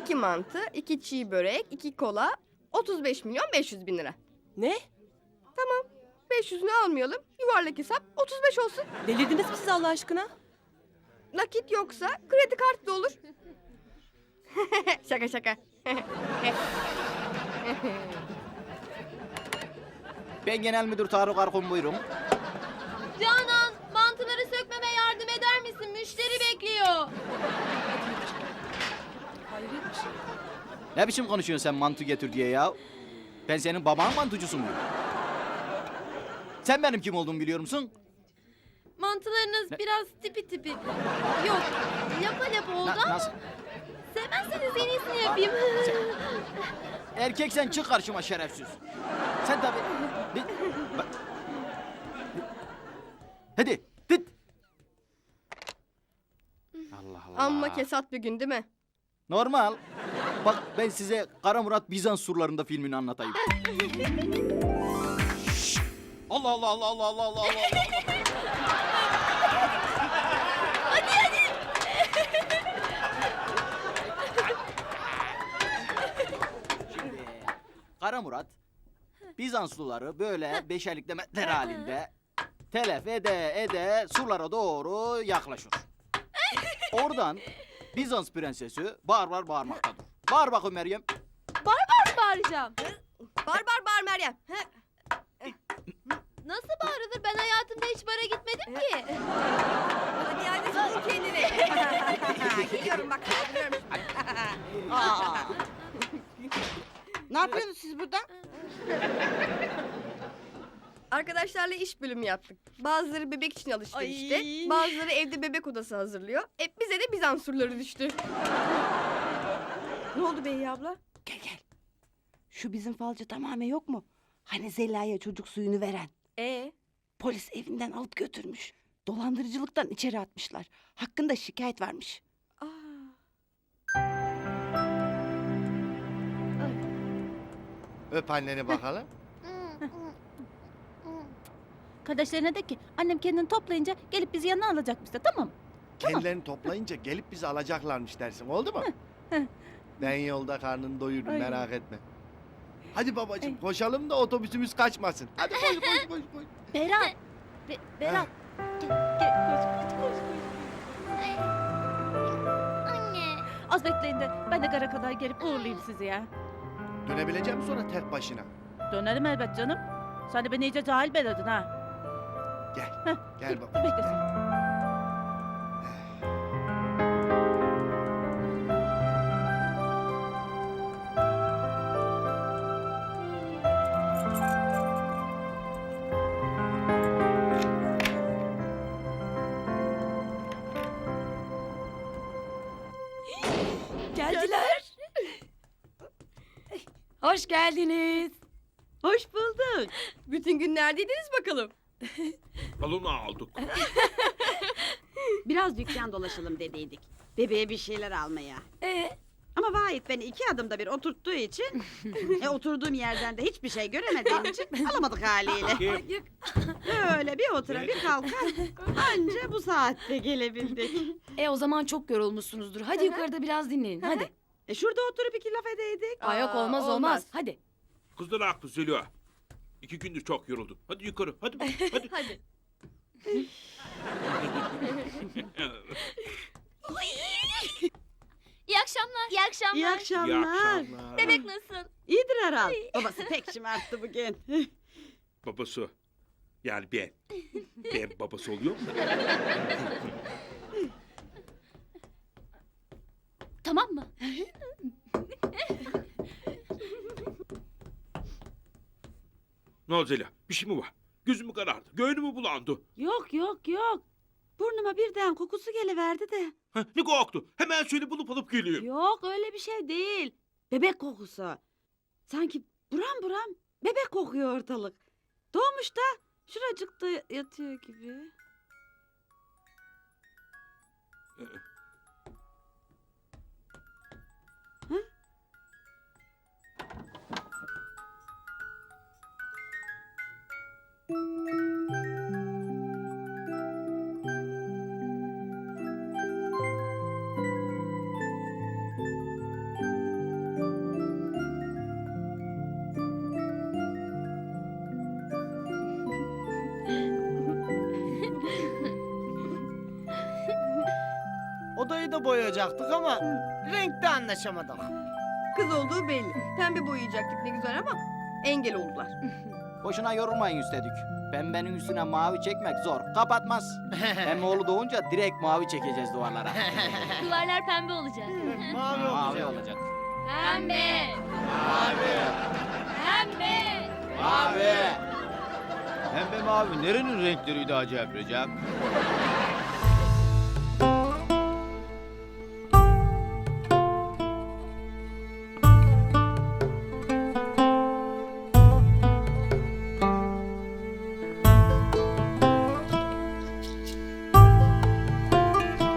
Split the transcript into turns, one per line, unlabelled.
2 mantı, 2 çiğ börek, 2 kola, 35 milyon 500 bin lira.
Ne?
500'ünü almayalım, yuvarlak hesap 35 olsun.
Delirdiniz mi siz Allah aşkına?
Nakit yoksa kredi kartı da olur. Şaka şaka.
Ben Genel Müdür Tarık Arkun, buyurun.
Canan, mantıları sökmeme yardım eder misin? Müşteri bekliyor.
Hayret bir şey.
Ne biçim konuşuyorsun sen mantı getir diye ya? Ben senin baban mantıcısı mıyım? Sen benim kim olduğumu biliyor musun?
Mantılarınız
Ne?
biraz tipi. Yok, lapa lapa oldu ama
Nasıl?
sevmezseniz en iyisini yapayım.
Erkek sen çık karşıma şerefsiz. Sen tabii... Hadi, tıt. Allah Allah.
Amma kesat bir gün değil mi?
Normal. Bak ben size Kara Murat Bizans surlarında filmini anlatayım. Şşş! Allah Allah Allah Allah Allah Allah Allah. Şimdi Kara Murat Bizanslıları böyle beşerlikle metler halinde telef ede surlara doğru yaklaşır. Oradan Bizans prensesi bağır bağırmaktadır. Bağır bakayım Meryem.
Bağıracağım.
Bağır Meryem.
Nasıl bağırılır? Ben hayatımda hiç bara gitmedim ki.
Hadi tutun kendini. Geliyorum bak kaldırıyorum.
Ne yapıyorsunuz siz burada?
Arkadaşlarla iş bölümü yaptık. Bazıları bebek için alışverişte,
Ay.
bazıları evde bebek odası hazırlıyor. Bize de Bizans surları düştü. Ne oldu Bey abla?
Gel. Şu bizim falcı tamamen yok mu? Hani Zeliha'ya çocuk suyunu veren. Polis evinden alıp götürmüş. Dolandırıcılıktan içeri atmışlar. Hakkında şikayet varmış.
Öp anneni bakalım.
Kardeşlerine de ki annem kendini toplayınca gelip bizi yanına alacakmış da, tamam mı?
Kendilerini toplayınca gelip bizi alacaklarmış dersin, oldu mu? Ben yolda karnını doyururum,
Ay.
merak etme. Hadi babacığım koşalım da otobüsümüz kaçmasın. Hadi koş.
Berat! Berat! Gel, koş.
Anne.
Az bekleyin de ben de gara kadar gelip uğurlayayım sizi ya.
Dönebileceğim sonra tek başına.
Dönerim elbet canım. Sen de beni iyice cahil beledin ha.
Gel
Dur
baba.
bekle sen.
Geldiler. Hoş geldiniz.
Hoş bulduk.
Bütün gün neredeydiniz bakalım?
Balonu aldık.
Biraz dükkan dolaşalım dediydik. Bebeğe bir şeyler almaya. Ama Vahit beni 2 adımda bir oturttuğu için... oturduğum yerden de hiçbir şey göremediğim için alamadık haliyle. Öyle bir otura bir kalka anca bu saatte gelebildik.
O zaman çok yorulmuşsunuzdur. Hadi yukarıda biraz dinlenin. Hadi.
Şurada oturup 2 laf edeydik.
Yok olmaz.
olmaz.
Hadi.
Kızlar haklı Zeliha. 2 gündür çok yoruldum. Hadi yukarı. Hadi.
Hadi.
İyi akşamlar. İyi akşamlar.
İyi akşamlar.
İyi akşamlar.
Bebek nasıl?
İyidir herhal. Babası pek şımarttı bugün.
Babası. Yani ben. Ben babası oluyor mu?
Tamam mı?
Ne oldu Zeliha? Bir şey mi var? Gözüm mü karardı? Göğnüm mü bulandı?
Yok. Burnuma birden kokusu geliverdi de.
Ha, ne koktu? Hemen söyle bulup alıp geleyim.
Yok öyle bir şey değil. Bebek kokusu. Sanki buram bebek kokuyor ortalık. Doğmuş da şuracıkta yatıyor gibi.
Odayı da boyayacaktık ama renkte anlaşamadık.
Kız olduğu belli. Pembe boyayacaktık ne güzel ama engel oldular.
Boşuna yorulmayın üstelik. Pembenin üstüne mavi çekmek zor. Kapatmaz. Hem oğlu doğunca direkt mavi çekeceğiz duvarlara.
Duvarlar pembe olacak.
Mavi
Mavi
olacak.
olacak.
Pembe.
Mavi.
Pembe.
Mavi.
Pembe mavi nerenin renkleriydi acaba Recep?